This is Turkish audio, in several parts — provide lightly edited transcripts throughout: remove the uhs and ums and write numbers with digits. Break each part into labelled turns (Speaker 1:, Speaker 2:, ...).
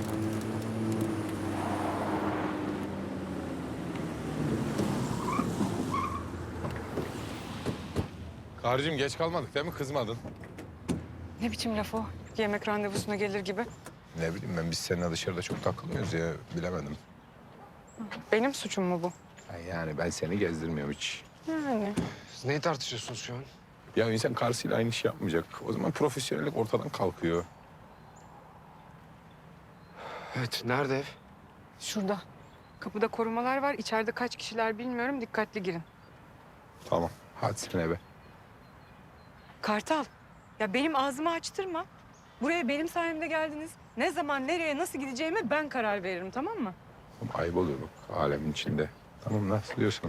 Speaker 1: Karıcığım geç kalmadık değil mi? Kızmadın.
Speaker 2: Ne biçim laf o? Yemek randevusuna gelir gibi.
Speaker 1: Ne bileyim ben, biz seninle dışarıda çok takılıyoruz ya, bilemedim.
Speaker 2: Benim suçum mu bu?
Speaker 1: Yani ben seni gezdirmiyorum hiç.
Speaker 2: Yani.
Speaker 3: Siz neyi tartışıyorsunuz şu an?
Speaker 1: Ya insan karısıyla aynı iş yapmayacak. O zaman profesyonellik ortadan kalkıyor.
Speaker 3: Evet, nerede ev?
Speaker 2: Şurada. Kapıda korumalar var. İçeride kaç kişiler bilmiyorum. Dikkatli girin.
Speaker 1: Tamam, hadi sen eve.
Speaker 2: Kartal. Ya benim ağzımı açtırma. Buraya benim sayemde geldiniz. Ne zaman, nereye, nasıl gideceğime ben karar veririm, tamam mı?
Speaker 1: Ama ayıp oluyor bak, alemin içinde. Tamam, nasıl diyorsun?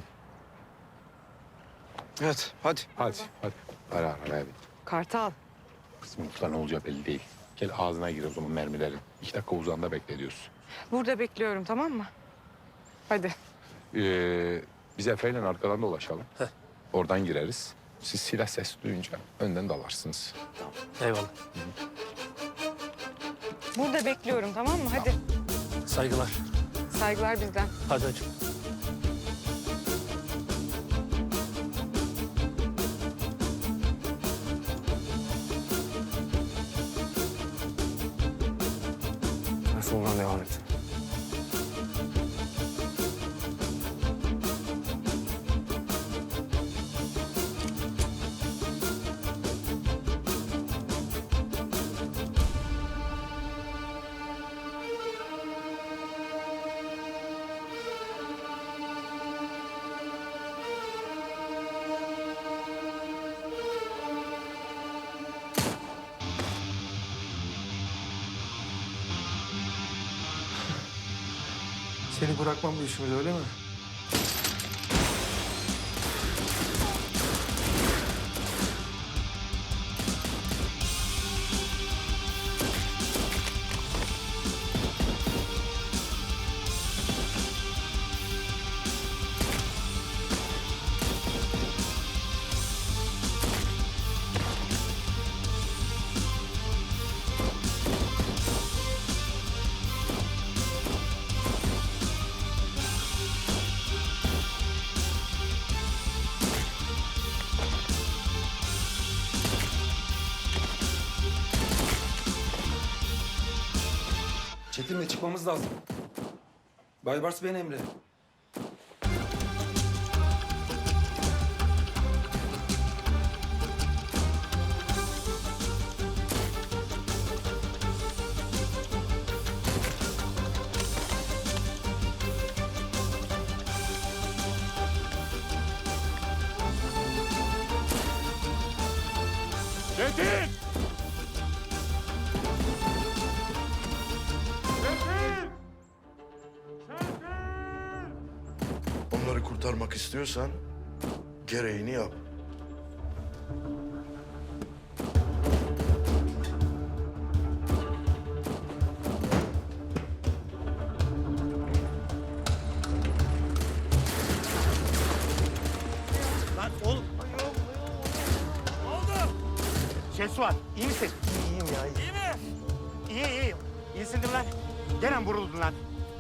Speaker 3: Evet, hadi.
Speaker 1: Hadi. Ara bir.
Speaker 2: Kartal.
Speaker 1: Kızım mutlu ne olacağı belli değil. Gel ağzına gir o zaman mermilerin. 2 dakika uzağında bekle diyorsun.
Speaker 2: Burada bekliyorum, tamam mı? Hadi.
Speaker 1: Biz Efe'yle arkadan dolaşalım. Oradan gireriz. Siz silah sesi duyunca önden dalarsınız.
Speaker 4: Eyvallah.
Speaker 2: Burada bekliyorum, tamam mı? Hadi.
Speaker 4: Saygılar.
Speaker 2: Saygılar bizden.
Speaker 4: Hadi hacım.
Speaker 3: Sonradan devam et.
Speaker 5: Seni bırakmam bu işimiz, öyle mi? Çetin'le çıkmamız lazım. Baybars ben Emre.
Speaker 1: Çetin!
Speaker 6: Onları kurtarmak istiyorsan gereğini yap.
Speaker 4: Lan oğlum. Ne oldu? Şehsuat, iyi misin? İyiyim ya. İyi mi? İyi. İyisin değil mi lan? Gene mi vuruldun lan?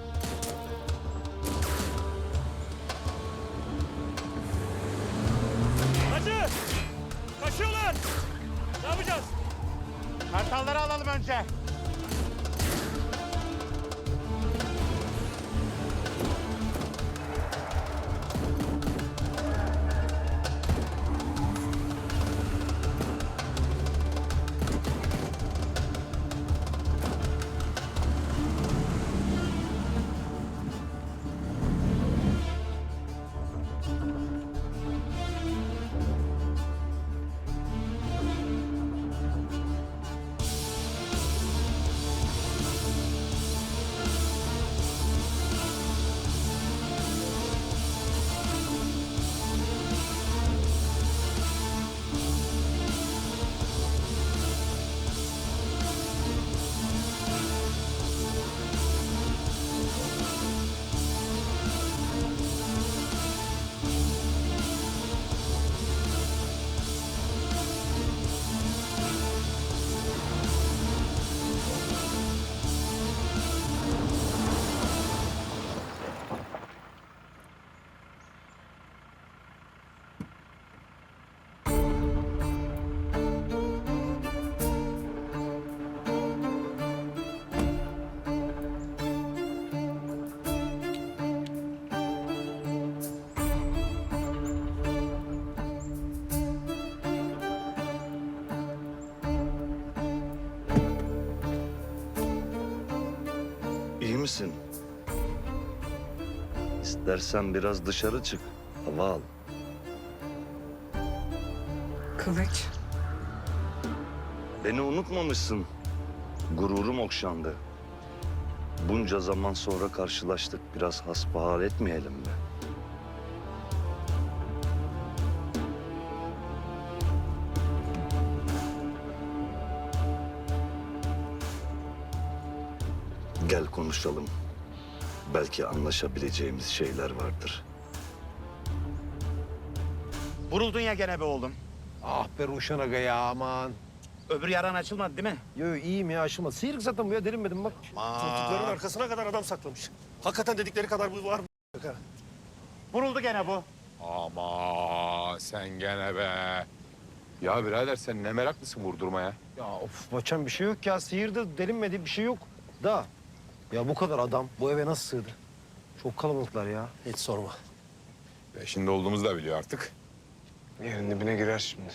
Speaker 4: Hacı! Kaçıyorlar! Ne yapacağız? Kartalları alalım önce.
Speaker 7: misin? İstersen biraz dışarı çık. Hava al.
Speaker 2: Kılıç.
Speaker 7: Beni unutmamışsın. Gururum okşandı. Bunca zaman sonra karşılaştık. Biraz hasbihal etmeyelim mi? Gel konuşalım. Belki anlaşabileceğimiz şeyler vardır.
Speaker 4: Vuruldun ya gene be oğlum.
Speaker 8: Ah be Ruşen Aga ya aman.
Speaker 4: Öbür yaran açılmadı değil mi?
Speaker 8: Yo iyiyim ya aşılmadı. Sıyrık zaten bu ya derinmedim bak.
Speaker 9: Koltukların arkasına kadar adam saklamış. Hakikaten dedikleri kadar bu var mı?
Speaker 4: Vuruldu gene bu.
Speaker 1: Ama sen gene be. Ya birader sen ne meraklısın vurdurmaya.
Speaker 8: Ya of Baçan bir şey yok ya. Sıyırdı derinmedi bir şey yok. Da ya bu kadar adam bu eve nasıl sığdı? Çok kalabalıklar ya.
Speaker 9: Hiç sorma.
Speaker 1: Peşinde olduğumuzu da biliyor artık.
Speaker 3: Yerin dibine girer şimdi.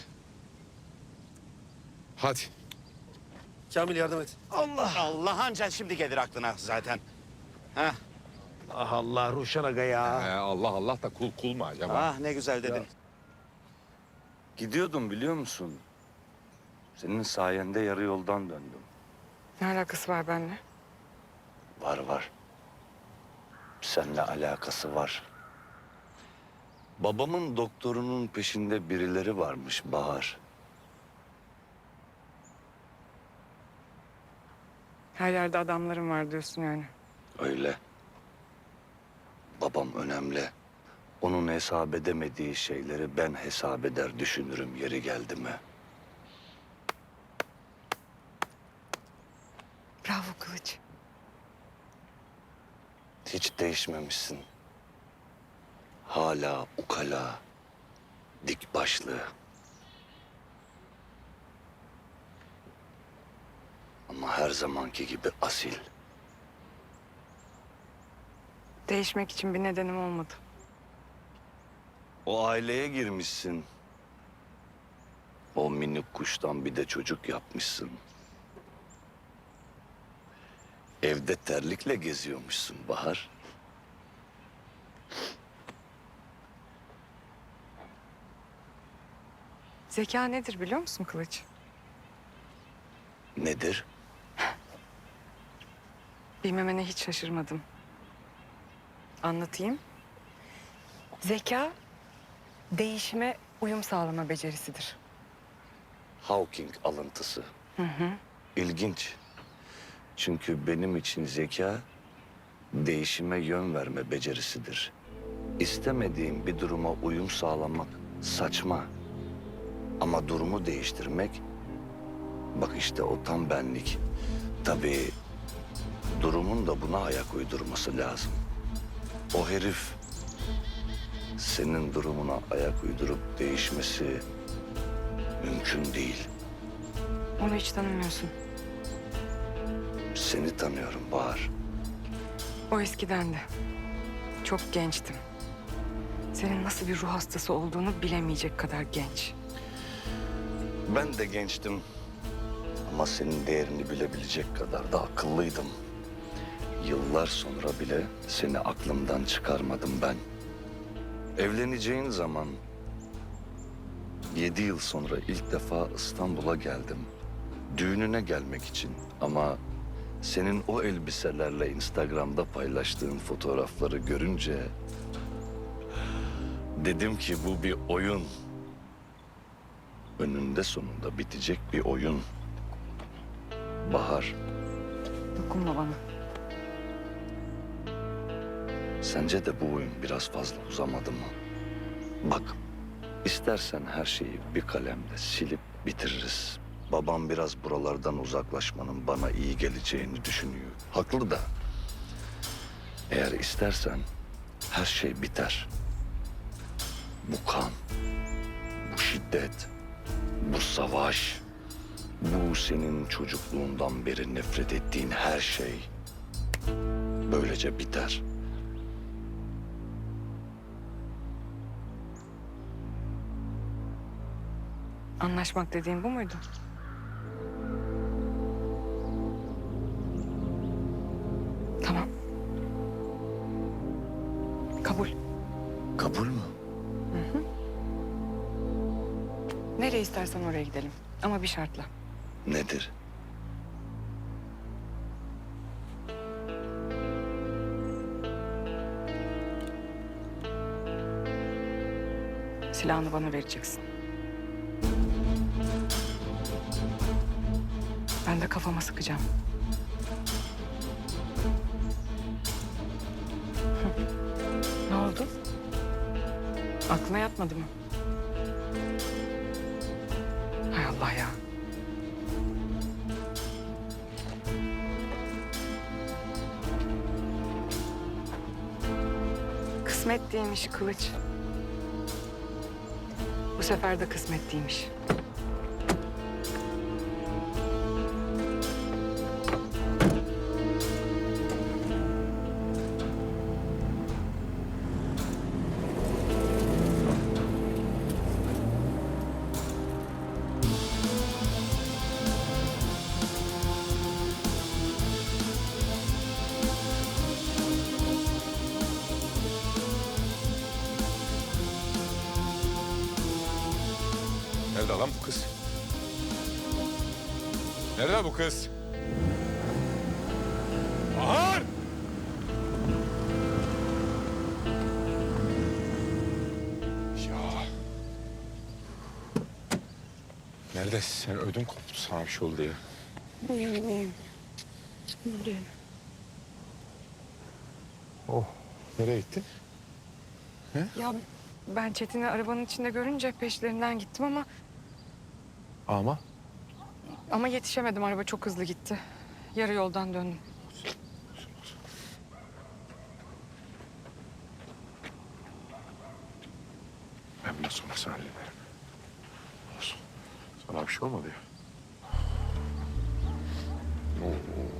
Speaker 1: Hadi.
Speaker 9: Kamil yardım et.
Speaker 4: Allah anca şimdi gelir aklına zaten. Heh.
Speaker 8: Ah Allah Ruşen Aga ya.
Speaker 1: Allah Allah da kul mu acaba?
Speaker 4: Ah ne güzel dedin.
Speaker 7: Gidiyordum biliyor musun? Senin sayende yarı yoldan döndüm.
Speaker 2: Ne alakası var benimle?
Speaker 7: Var var. Seninle alakası var. Babamın doktorunun peşinde birileri varmış Bahar.
Speaker 2: Her yerde adamlarım var diyorsun yani.
Speaker 7: Öyle. Babam önemli. Onun hesap edemediği şeyleri ben hesap eder düşünürüm yeri geldi mi?
Speaker 2: Bravo Kılıç.
Speaker 7: Hiç değişmemişsin. Hala ukala, dik başlı. Ama her zamanki gibi asil.
Speaker 2: Değişmek için bir nedenim olmadı.
Speaker 7: O aileye girmişsin. O minik kuştan bir de çocuk yapmışsın. Evde terlikle geziyormuşsun Bahar.
Speaker 2: Zeka nedir biliyor musun Kılıç?
Speaker 7: Nedir?
Speaker 2: Bilmemene hiç şaşırmadım. Anlatayım. Zeka, değişime uyum sağlama becerisidir.
Speaker 7: Hawking alıntısı. İlginç. Çünkü benim için zeka değişime yön verme becerisidir. İstemediğim bir duruma uyum sağlamak saçma. Ama durumu değiştirmek, bak işte o tam benlik. Tabii durumun da buna ayak uydurması lazım. O herif senin durumuna ayak uydurup değişmesi mümkün değil.
Speaker 2: Onu hiç tanımıyorsun.
Speaker 7: Seni tanıyorum Bahar.
Speaker 2: O eskiden de. Çok gençtim. Senin nasıl bir ruh hastası olduğunu bilemeyecek kadar genç.
Speaker 7: Ben de gençtim. Ama senin değerini bilebilecek kadar da akıllıydım. Yıllar sonra bile seni aklımdan çıkarmadım ben. Evleneceğin zaman 7 yıl sonra ilk defa İstanbul'a geldim. Düğününe gelmek için ama senin o elbiselerle Instagram'da paylaştığın fotoğrafları görünce dedim ki bu bir oyun. Önünde sonunda bitecek bir oyun. Bahar,
Speaker 2: Dokunma bana.
Speaker 7: sence de bu oyun biraz fazla uzamadı mı? Bak, istersen her şeyi bir kalemle silip bitiririz. Babam biraz buralardan uzaklaşmanın bana iyi geleceğini düşünüyor. Haklı da. Eğer istersen her şey biter. Bu kan, bu şiddet, bu savaş, bu senin çocukluğundan beri nefret ettiğin her şey böylece biter.
Speaker 2: Anlaşmak dediğin bu muydu? Tamam.
Speaker 7: Kabul mü?
Speaker 2: Nereye istersen oraya gidelim. Ama bir şartla.
Speaker 7: Nedir?
Speaker 2: Silahını bana vereceksin. Ben de kafama sıkacağım. Ne oldu? Aklına yatmadı mı? Hay Allah ya. Kısmet değilmiş Kılıç. Bu sefer de kısmet değilmiş.
Speaker 1: Nerede lan bu kız? Nerede bu kız? Bahar! Ya. Neredesin sen? Ödüm koptu sana bir şey oldu ya.
Speaker 2: İyiyim. Buradayım.
Speaker 1: Oh. Nereye gittin?
Speaker 2: Ya ben Çetin'i arabanın içinde görünce peşlerinden gittim ama yetişemedim. Araba çok hızlı gitti. Yarı yoldan döndüm.
Speaker 1: Ben bundan sonrasını hallederim. Olsun. Sana bir şey olmadı ya. Oo.